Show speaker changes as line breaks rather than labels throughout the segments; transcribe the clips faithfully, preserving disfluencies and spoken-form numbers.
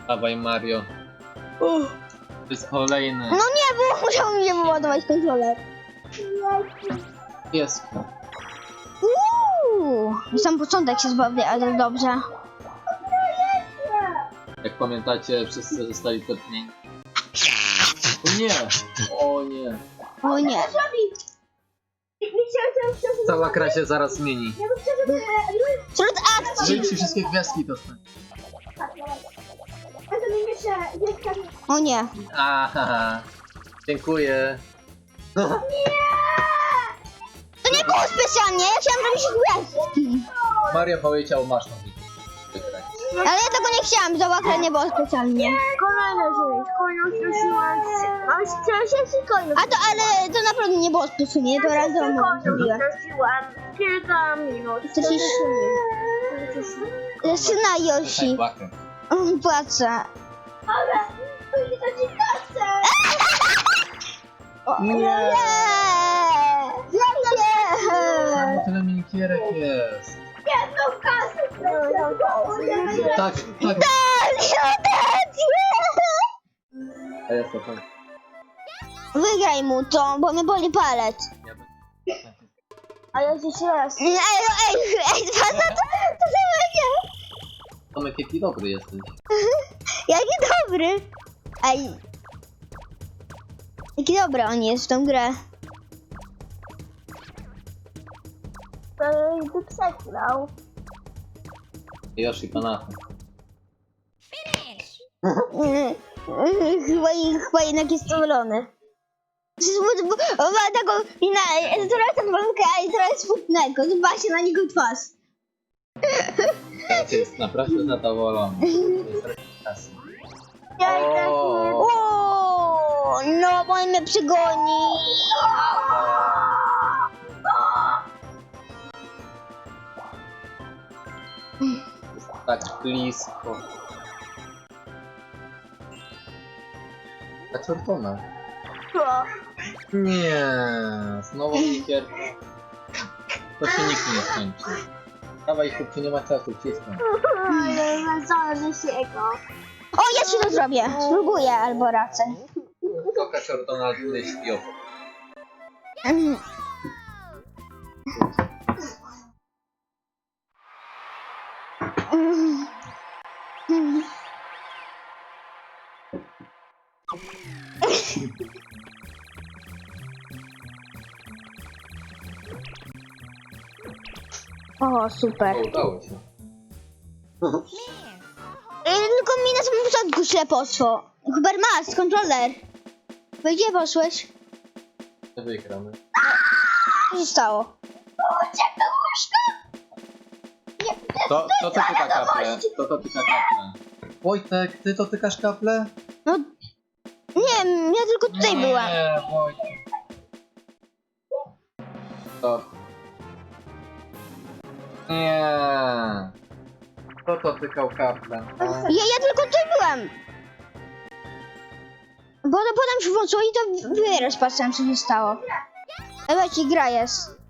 Dawaj Mario.
Uff.
To jest kolejny.
No nie, bo musiał mi się wyładować kontroler.
Jest.
Uuu, sam początek się zbawię, ale dobrze.
Jak pamiętacie, wszyscy zostali tepnięci. O nie! O nie!
O nie.
Cała gra się zaraz zmieni.
Wśród akcji.
Żyjcie wszystkie gwiazdki dostać.
O nie.
Aha, dziękuję.
To nie było specjalnie, ja chciałam robić gwiazdki.
Mario powiedział, masz to wygrać.
Ale ja tego nie chciałam, załaka nie było specjalnie.
Kolejna rzecz, kolejną prosiłam, aż trzeci kolejną.
A to, ale to naprawdę nie było specjalnie, to razem zrobiłem.
prosiłam kilka minut.
To się syna Yoshi.
Płakę.
On płacze.
Ale to ci kasę!
Nie!
Nie!
Tam tyle minikierek jest.
Jedną kasę prosiłam!
Tak, tak. A jest to tak.
Wygraj mu to, bo mnie boli palec.
Ja będę-
A ja jeszcze raz.
Ej, ej, ej, to, to, to, to samo
Tomek, jaki dobry jesteś.
jaki dobry. Ej. Jaki dobry on jest w tą grę.
To by przegrał.
Yoshi Kanata.
Mm, mm, Chyba, chyba jednak jest zadowolony. On ma taką minę, trochę ten walkę, a trochę smutnego. Zobaczcie na niego twarz.
Teraz jest naprawdę zadowolony. Jest kasy.
Ja i tak nie...
O, no bo on mnie przygoni.
Jest tak blisko. Ta czerwona.
Co?
Nie, znowu mikier. To się nikt nie skończy. Dawaj chłopcy, nie ma czasu, ciskam.
Ale zależy się go.
O, ja ci to zrobię. Spróbuję albo raczej.
Koka czerwona tutaj śpi obok.
Mm. Mm. Mm. O, super.
O, udało się.
Ej, tylko mi na samym początku źle poszło. Hubert, masz kontroler. Wy gdzie poszłeś?
Nie wygramy.
Co się stało?
To, to co tyka kaplę? To to tyka kaplę. Wojtek, ty to tykasz kaplę?
No, nie wiem, ja tylko tutaj byłam.
Nie, Wojtek. To. Nie. Kto to tykał kaplę?
Ja, ja tylko tutaj byłam. Bo to potem się włączyło i to wyraz patrzyłem, co się stało. Ale ci gra jest.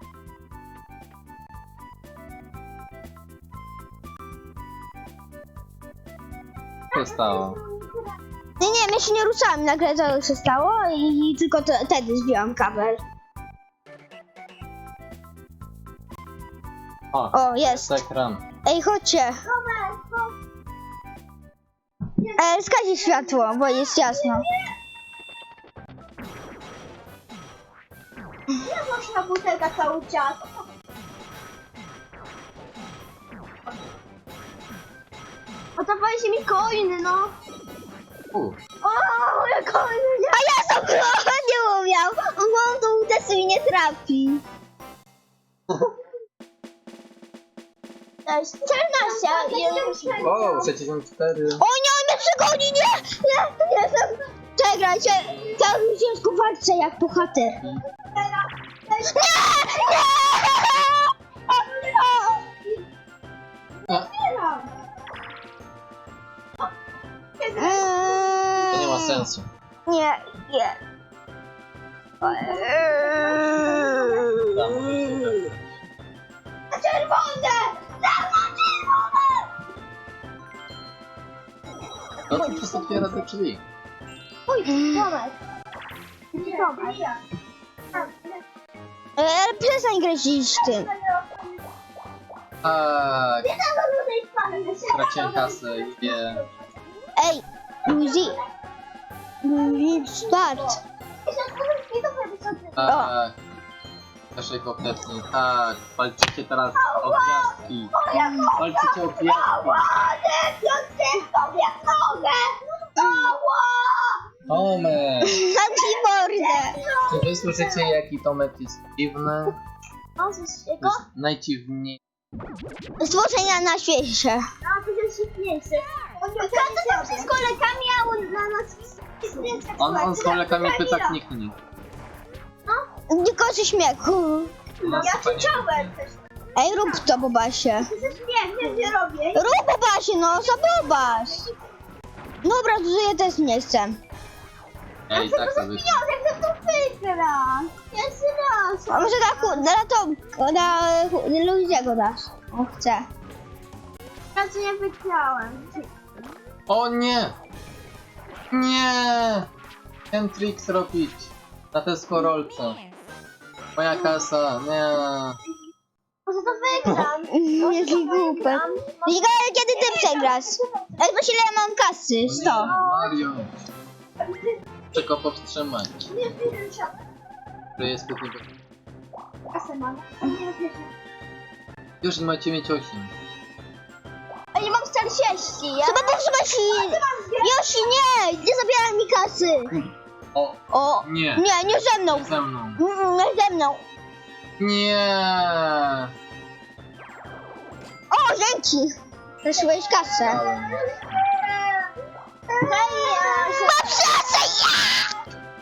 Co się stało?
Nie, nie, ja się nie ruszałam, nagle to się stało i, i tylko to, wtedy zdjąłam kabel.
O,
O, jest.
ekran.
Ej, chodźcie. E, zgaś światło, bo jest jasno.
Nie można butelka cały czas. Oddawaj się mi coiny, no.
U,
O, moje coiny, nie.
A ja sobie nie umiał. On tą uderzy i nie trafi.
czternaście. I
o, sześćdziesiąt cztery.
O nie, on mnie przegoni, nie! Nie, nie jestem... Czekajcie, cały ciężko walczę jak bohater. Nie, nie!
A, to nie ma sensu.
Nie, nie. Czerwone!
To co przez otwiera te drzwi?
Pójdź, Tomek. Tomek.
E, Ale przestań grać tym.
Tak, straciłem kasę i nie.
Ej, Luigi. Luigi, start.
Tak. Naszej kompletnie, tak. Walczycie teraz o gwiazdki. Walczycie o gwiazdki. Tomek!
Zamknij mordę.
Czy wy słyszycie jaki Tomek jest dziwny? To jest najdziwniej.
Stworzenia na świecie.
No, to jest śmieszniejsze. To z kolegami, a on na nas
On, on z kolegami pyta kniknie.
Tylko ze śmiechu.
Ja
Chciałem też.
Ej, rób to, Bobasie.
To jest śmiech, nie robię.
Rób, Bobasie, no, co Bobas? Dobra, to ja też nie chcę.
Ej, tak sobie.
Jak to wygra? Jeszcze raz.
A może na, na to, na Luigiego dasz. O, chcę.
Ja co nie wygrałem.
O nie! Nie! Ten trik zrobić. Na tę skorolce. Moja kasa, nie.
Może to wygram.
Jaki głupek. Liga, ale kiedy ty przegrasz? Ej, właśnie ile ja mam kasy? sto.
Mario. Czego powstrzymać?
Nie wiem, się.
To jest tylko...
Kasę mam. Nie wiem.
Już nie macie mieć osiem.
A nie mam czterdzieści. Ja
Trzeba powstrzymać i... Yoshi, nie! Nie zabieraj mi kasy!
O,
O,
nie.
nie, nie ze mną.
Ze mną.
Mm, Nie ze mną.
Nie.
O, dzięki! Zaszyłeś kasę. Mam szansę, ja!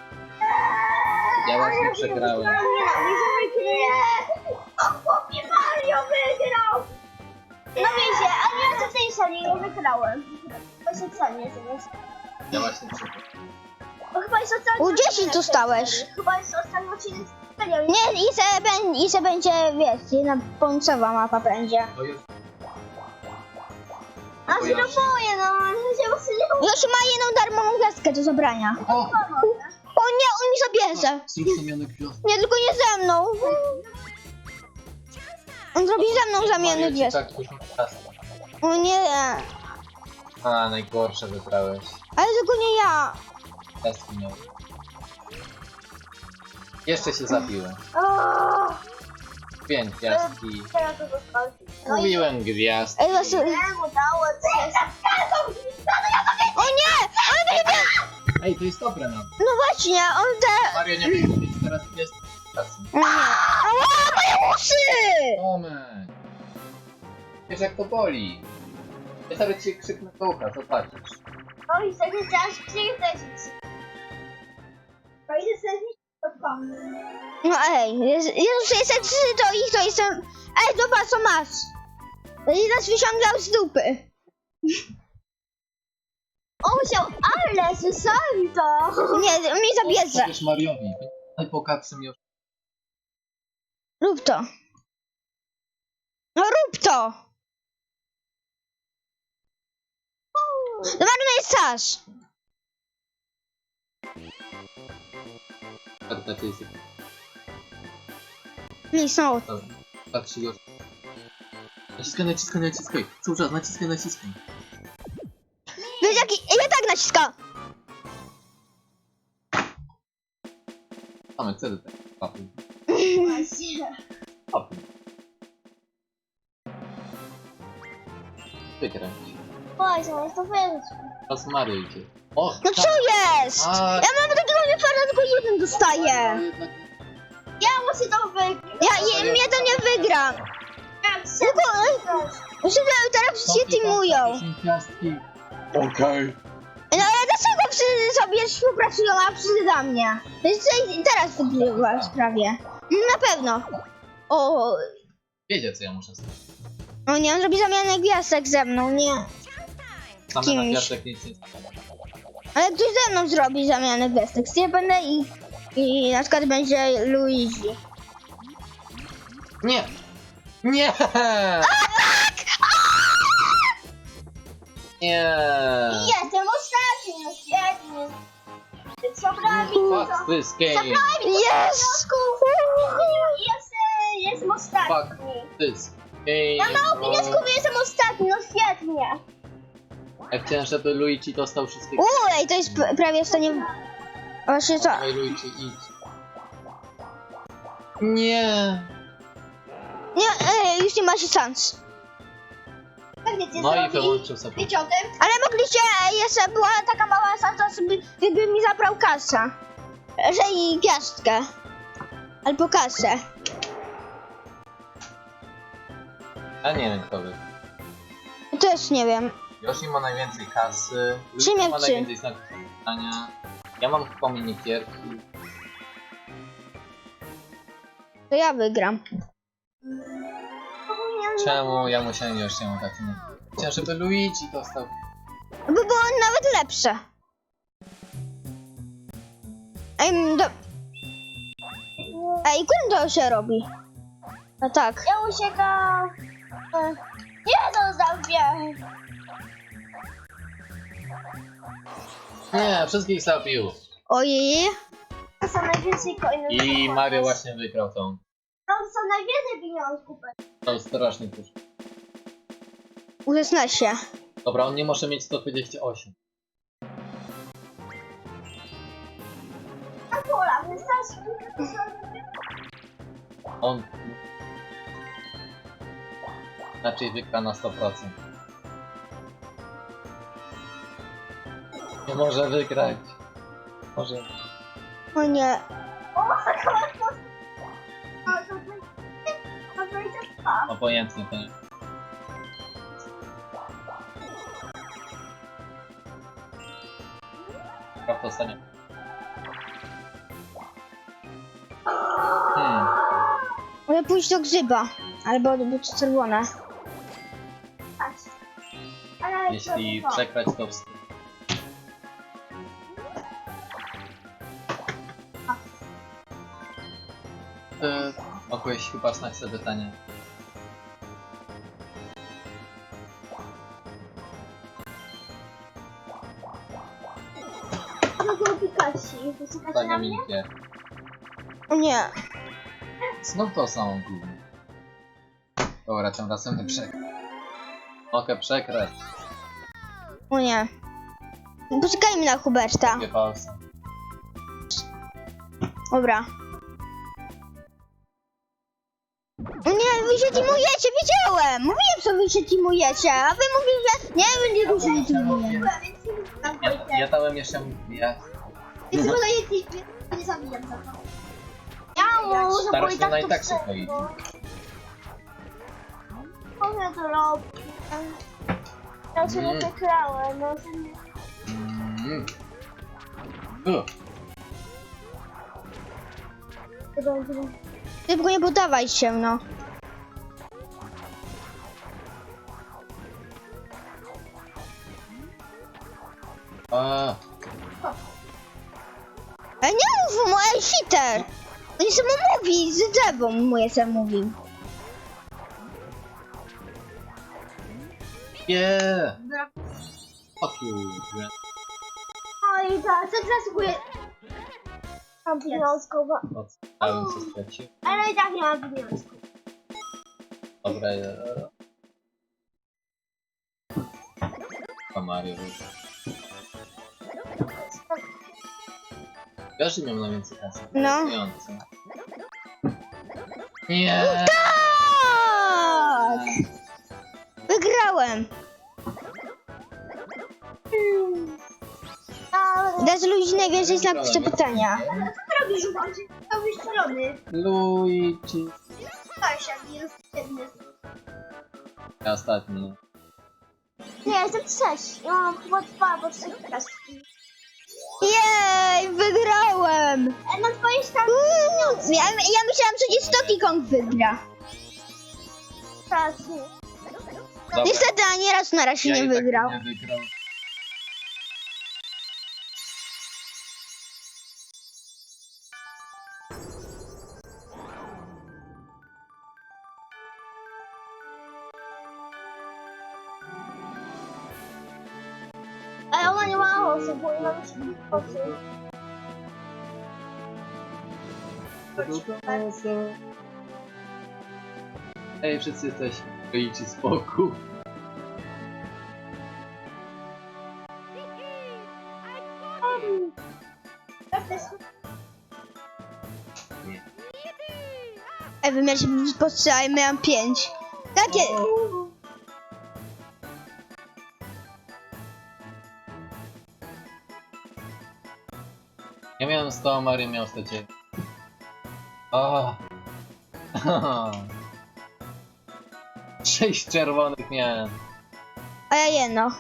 Ja właśnie przegrałem.
O, chłopie Mario wygrał! No wiecie, a nie co w tej sali nie wygrałem. Właśnie w sali nie zamiast.
Ja właśnie przegrałem.
Bo chyba jest ostatni
U dziesięć
odcinek.
dostałeś.
Chyba jest ostatni odcinek. Nie,
Nie, i se, bę- i se będzie, wiesz, jedna pomcowa mapa będzie.
To już...
a się
Yoshi.
boję, no. Się właśnie nie
Yoshi ma jedną darmową gwiazdkę do zabrania.
O!
O nie, on mi zabierze.
Zruszamiony gwiazd.
Nie, tylko nie ze mną. On zrobi ze mną zamianę
Mario ci
gwiazd.
tak dużo kasy.
O nie,
A, najgorsze wybrałeś.
ale tylko nie ja.
Gwiazdki miał. Jeszcze się zabiłem.
O,
Pięć gwiazdki.
teraz to zostało.
Mówiłem gwiazd.
Ej, właśnie...
Nie, udało się.
O nie, on mnie...
Ej, to jest dobre nam.
No właśnie, on te...
Mario nie mógł mieć teraz gwiazd.
Nie. Ała, moje uszy!
Tomek! Wiesz jak to boli. Ja sobie ci krzyknę do ucha, zobaczysz.
No i wtedy chciałaś krzywdzić. To idę sobie podpomnę.
No ej, jest- Jezus, jestem trzy, to ich to jestem... Ej, zobacz, co masz. I nas wyciągał z dupy.
On musiał, ale słyszałem to.
Nie, mi zabierze.
Powiesz Mariowi. Najbogatszym już.
Rób to. No rób to. Zobacz, jest czas.
Karta jest.
Nic, no.
Dobra. Patrzy już. Naciskaj, naciskaj, naciskaj. Cały czas naciskaj, naciskaj.
Wiesz jaki... Ja tak naciskam.
Tomek, co ty tak? Papuj.
Właśnie.
Papuj. Wykręć.
Właśnie, jest to wygrać.
Teraz Mario idzie. O!
No co jest?
A,
Ja mam takiego niefarta, tylko jeden dostaję.
jednak
Ja muszę to wygrać.
Ja, ja mnie to nie wygra.
Jak się
Tylko... Muszę teraz się teamują.
dziesięć gwiazdki. Okej.
No ale dlaczego wszyscy sobie współpracują, a wszyscy dla mnie? To jest tutaj- teraz wygrywasz prawie. Na pewno. O,
Wiedział co ja muszę zrobić.
o nie, on robi zamianę gwiazdek ze mną, nie.
Same
Kimś.
na gwiazdek nic nie
Ale ktoś ze mną zrobi zamianę gwiazdek. Ja będę i, i na przykład będzie Luigi.
Nie! Nie! Nie!
Jestem
This game.
Yes!
Jest, e, jestem ostatni.
Fuck this game.
Ja mało pieniążków i jestem ostatni, no świetnie.
Ja chciałem, żeby Luigi dostał wszystkie.
Uuu, ej, to jest p- prawie w stanie... Właśnie co?
Dawaj Luigi, idź. Nie.
Nie, ej, już nie macie szans.
Tak wiecie,
No i
zrobi?
wyłączył sobie.
Wiecie o tym?
Ale mogliście, ej, jeszcze była taka mała szansa, żeby, gdyby mi zabrał kasę. Że i gwiazdkę. Albo kasę.
Ja nie wiem kto wy.
Też nie wiem.
Yoshi ma najwięcej kasy.
Trzy
Luigi ma
miewczy.
najwięcej znaków zapytania. Ja mam chyba minigierki.
To ja wygram.
Czemu ja musiałem Yoshiemu dać? Nie. Chciałem, żeby Luigi dostał.
Bo było nawet lepsze. Ej, do... Ej, którym to się robi? No tak.
Ja uciekam. E, Nie dostał mnie.
Nie, wszystkich zabił.
Ojej.
To są najwięcej coinów.
I Mario właśnie wygrał tą.
To są najwięcej pieniążków.
Tą straszny pusz.
Uznaj się.
Dobra, on nie może mieć sto dwadzieścia osiem.
Na pola, wystarczy.
On... Raczej wygra na sto procent. Nie może wygrać. Może...
O nie.
O, to A, to będzie... To będzie dwa.
Obojętnie to nie. Prawda dostanie. Hmm.
Mogę pójść do grzyba. Albo do buty czerwone.
Patrz. Ale
Jeśli
to dwa.
przegrać to wstyd. Ty mogłeś chyba znać sobie pytanie.
No to Pikachu. Poczekajcie na
Pytanie
mnie.
miękkie.
O nie.
Znów to samo głównie. Dobra, tym razem nie przegrać. Mogę przegrać.
O nie. Poczekajmy na Huberta.
Dwie palce.
Dobra. O nie, wy się teamujecie, wiedziałem! Mówiłem, co wy się teamujecie, a wy mówicie, że nie, my nie się teamujemy.
Ja, ja dałem jeszcze ja.
Więc wolę je nie zabijam za to. Ja muszę, bo
Starasz
i
się
tak
na
to
i tak szybko
wszystko.
idzie.
Co ja to robię? Ja się nie
Mm.
przekrałem, no że nie...
Mm. U.
Tylko nie poddawaj się, no.
A,
Ale nie mów mu, ej, cheater! On nie samo mówi, z drzewą moje sam mówi.
yeah. Fuck you.
No i tak, co zasługuje... Mam pieniążków,
Odstałem co stracił.
ale i tak nie mam pieniążków.
Dobra, ja... A Mario wyszło. Wiesz, że miał najwięcej kasy.
No.
Pieniądze. Nie.
Tak! Wygrałem!
A
Dasz ludzi najwięcej znaków zapytania.
co ty robisz, Uważaj? To wystrzelony.
Luigi.
Weź, jak jest jedny.
Ja ostatni.
Nie, jestem trzeci. Ja mam chyba dwa albo trzy gwiazdki.
Jej, wygrałem!
E, na twojej stanie
Uuu, ja, ja myślałam, że nie Donkey Kong wygra.
pracy.
Dobra.
Niestety ani raz na razie
Ja
nie
i tak
wygrał.
Nie wygrał.
Ale ona nie ma osób, bo ona musi być osób.
Ej, wszyscy jesteśmy. Idźcie spokój.
Ej, wy mieliście postrzał, miałam pięć. Takie...
Ja miałem sto, a Mario miał sto dziewięć. O. Sześć czerwonych miałem.
A ja jedno.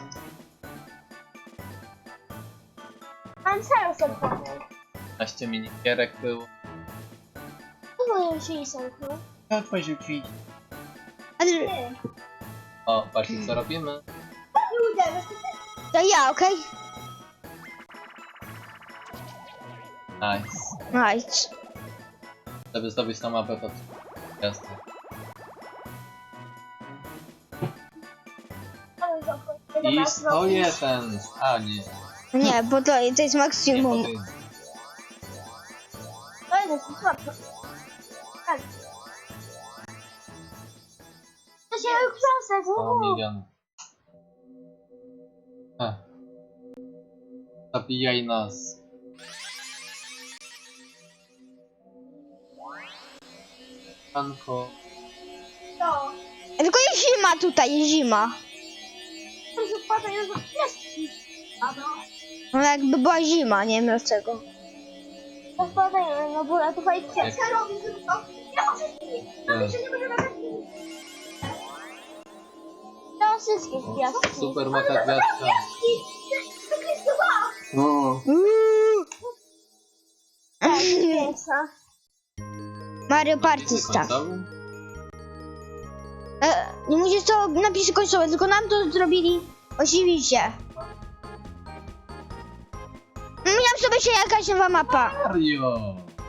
Mam serio sobie.
piętnaście minigierek było.
Co moje się nie zamknął?
Łatwo rzucić.
A ty...
O, patrzcie co robimy.
Nie udało.
To ja, okej?
Nice.
Nice.
Żeby zdobyć tą mapę, to jasne. I sto jeden. A nie.
Nie, bo to, to jest
Nie
maksimum.
powinien.
To jest słabo. Tak. To się książek.
sto milionów. Ech. Zabijaj nas. Panko.
To.
Tylko jest zima tutaj, jest zima.
To się wpadają za pieski. A no.
No jakby była zima, nie wiem dlaczego.
To wpadają, no bo to fajnie
Jak-
pieska robi tylko. Ja muszę zbić.
Ech.
Że nie będę nawet to wszystkie piaski.
Super maka gwiazdka.
To Krystowa.
O.
Tak, piękna.
Mario Party Star. E, nie musisz to napisać końcowe, tylko nam to zrobili oczywiście. Miałam sobie się jakaś nowa mapa.
Mario.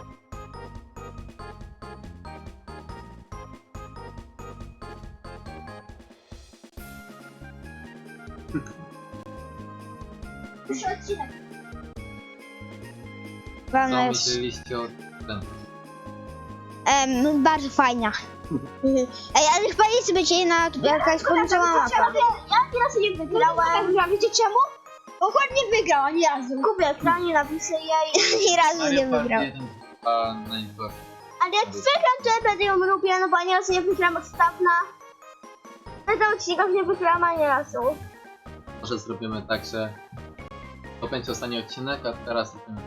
Już odcinek.
Co
Ważne,
myśleliście o tym?
em, bardzo fajna. Ej, ale chyba jest będzie na jakaś końcowa mapa.
Ja teraz nie wygrałem.
Ja wiecie czemu? Bo ładnie wygrał, ani razu.
Kupię ekranie, napiszę jej.
Ani razu nie
Mario Party
wygrał.
jeden, a najgorszy.
Ale jak wygram, to ja będę ją robiła, no bo ani razu nie wygram od dawna. Na tym odcinkach nie wygrałam ani razu.
Może zrobimy tak, że to będzie ostatni odcinek, a teraz robimy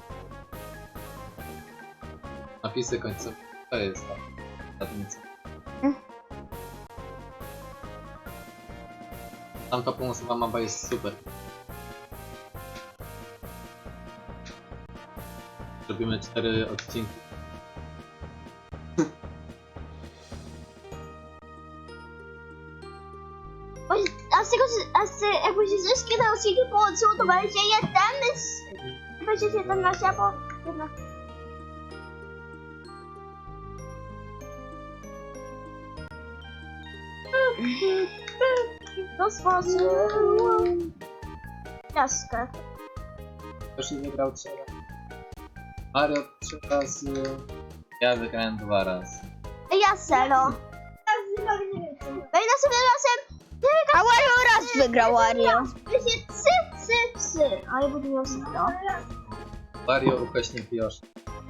napisy końcowe. To jest tak. Zadnica.
Mm.
Tamta pomocowa mapa jest super. Robimy cztery odcinki.
A z tego, a z, jakby się wszystkie te odcinki połączyło, to będzie jeden z... Będzie siedemnaście, albo... jedna. To stworzył... Jaskę.
Ktoś nie wygrał trzy razy. Mario trzy razy. Ja wygrałem dwa razy.
Ja selo. No i następnym razem...
A Wario raz wygrał, Wario.
Będzie psy, psy, psy. A ja będę miał selo.
Mario ukośnik Yoshi.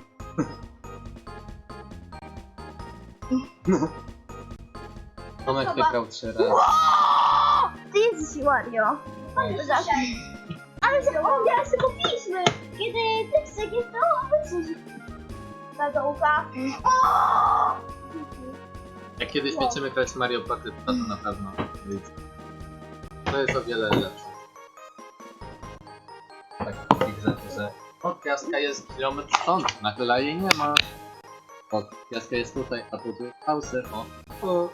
Tomek wygrał trzy razy.
Ty jesteś Wario. Ale że o, teraz tylko piliśmy. Kiedy tekstek jest to obecność. Ta dołka.
Jak kiedyś będziemy grać Mario Party, to to na pewno wyjdzie. To jest o wiele lepsze. Tak, takich rzeczy, że o, gwiazdka jest kilometr stąd, nagle jej nie ma. O, gwiazdka jest tutaj, a tu jest Bowser, o. o.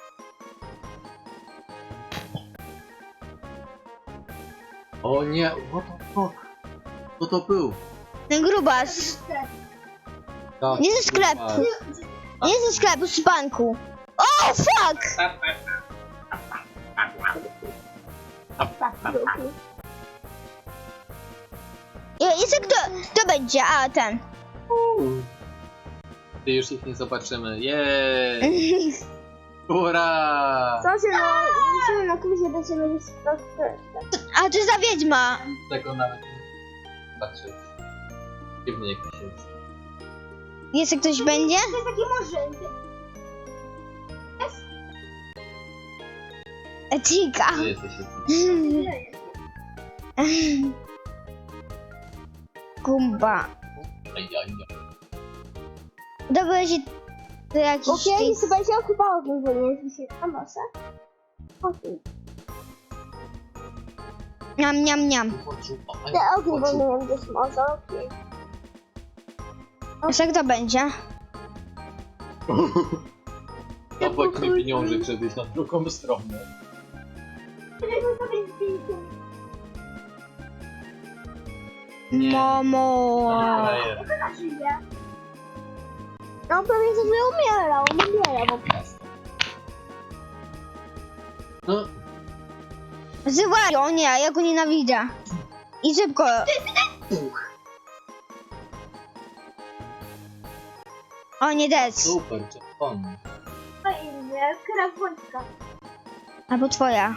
O nie, what the fuck? Co to był?
Ten grubas.
Tak,
Nie ze sklepu.
grupa.
Nie ze sklepu, z banku. O, fuck! I, i co kto, kto będzie? A, ten.
Uuu. Ty już ich nie zobaczymy. Jej! Ura!
Co się no, musimy na kursie do ciebie już
A to jest ta wiedźma.
Tego nawet nie patrzeć. Dziwny jakiś jest.
Jeszcze ktoś będzie?
To jest taki murzyn.
Cika.
Ty jesteś jakiś.
Kumba.
Ajajaj.
Dobra, się to jakiś
Okej,
ty...
chyba się okupało tym wolnie, się a może? Okej.
Niam, niam, niam.
Te ogień wolny gdzieś może, okej.
Jeszcze kto będzie?
Obok mi pieniążek, żebyś na drugą stronę. Nie.
Momo.
Frajer.
No pewnie sobie umierał, on umiera po prostu.
No,
Zywaj, o nie, ja go nienawidzę. I szybko. O nie, dec.
super, czerwony.
Fajnie, krew wąska.
Albo twoja.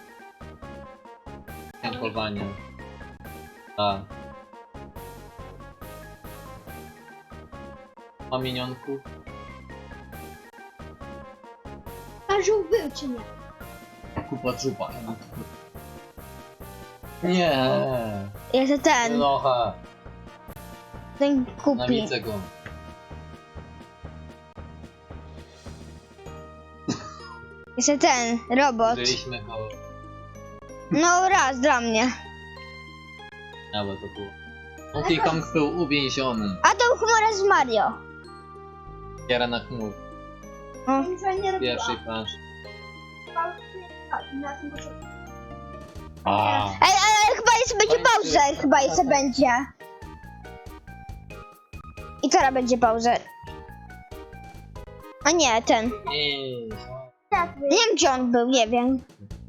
Tempowanie. A. Ma minionków?
Każą był czy nie?
Kupa trupa. Nie.
Jeszcze ten.
Nocha.
Ten kupi.
Nawidzę go.
Jeszcze ten, robot.
Żyliśmy go.
No raz dla mnie.
Ale to było. Donkey Kong był uwięziony.
A to chmura z Mario.
Kiera na chmur.
O.
Nic nie robiła.
Pierwszej planszy.
Na tym początku.
A.
Ej, ale chyba jeszcze będzie pauza. Chyba jeszcze będzie. I teraz będzie pauza. A nie, ten.
Nie.
Tak, wy-
Nie wiem gdzie on był, nie wiem.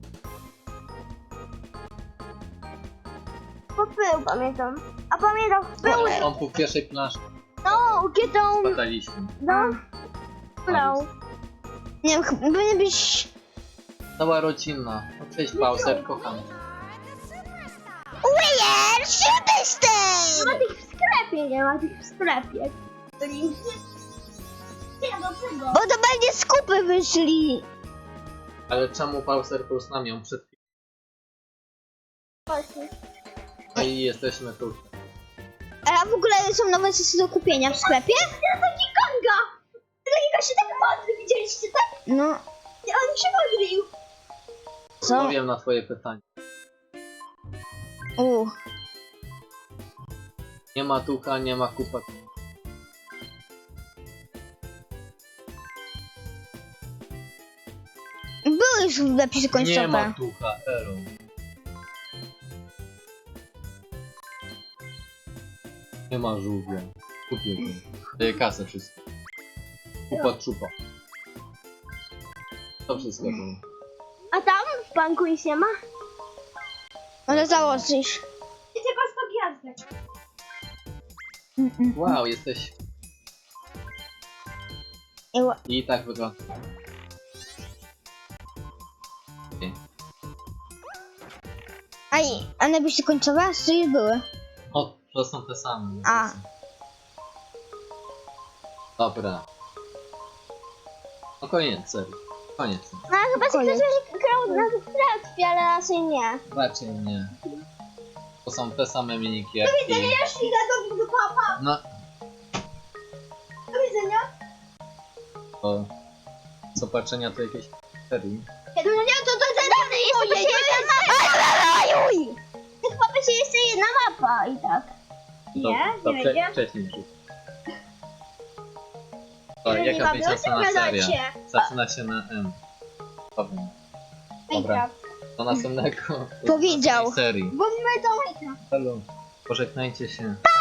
bo był, pamiętam. A pamiętam, był,
On, on był w pierwszej planszy.
no, kiedy on,
Badaliśmy.
no, no.
Nie wiem, chyba powinien być...
Cała rodzina. No cześć Bowser, kocham.
Weird, Superstar!
Nie ma tych w sklepie, nie ma tych w sklepie. Byli... Nie, do tego.
Bo to będzie skupy wyszli.
Ale czemu Bowser był z nami? On przed chwilą.
Właśnie.
No i jesteśmy tu.
A w ogóle są nowe sesje do kupienia w sklepie?
Ja taki Konga! Takiego się tak modry, widzieliście, tak?
No,
On się modlił.
co?
Odpowiem na twoje pytanie.
U.
Nie ma tucha, nie ma kupa.
Były już napisy
Nie ma
końcowe.
tucha, elo. Nie ma żółwia. Kupię go. Daję kasę wszystko. Kupa trupa. To wszystko było.
A tam w banku nic nie ma?
Może założysz.
I tylko sto gwiazdek.
Wow, jesteś...
I ła-
I tak wygląda. Okay.
A, i- a napisy końcowe? Co już były?
O, to są te same.
A.
Dobra. No koniec, serio. Koniec.
No chyba się
Koniec.
ktoś grał na trakwie, ale raczej nie.
Raczej nie. To są te same minikierki.
Już idę do, do papa.
No,
Do widzenia.
to... Co patrzenia to jakieś serii.
No nie, to to zadane jest jeszcze jedna mapa.
Ajuj!
Chyba będzie jeszcze jedna mapa i tak.
To,
Nie?
to
Nie
wcze-
będzie?
wcześniej rzuć. To
Nie
jaka
ma,
będzie
no
następna
to
seria?
gadacie.
Zaczyna się na M. Powiem. Dobra,
Minecraft.
do następnego.
Powiedział.
do następnej serii.
Bo my to Minecraft.
Halo, pożegnajcie się.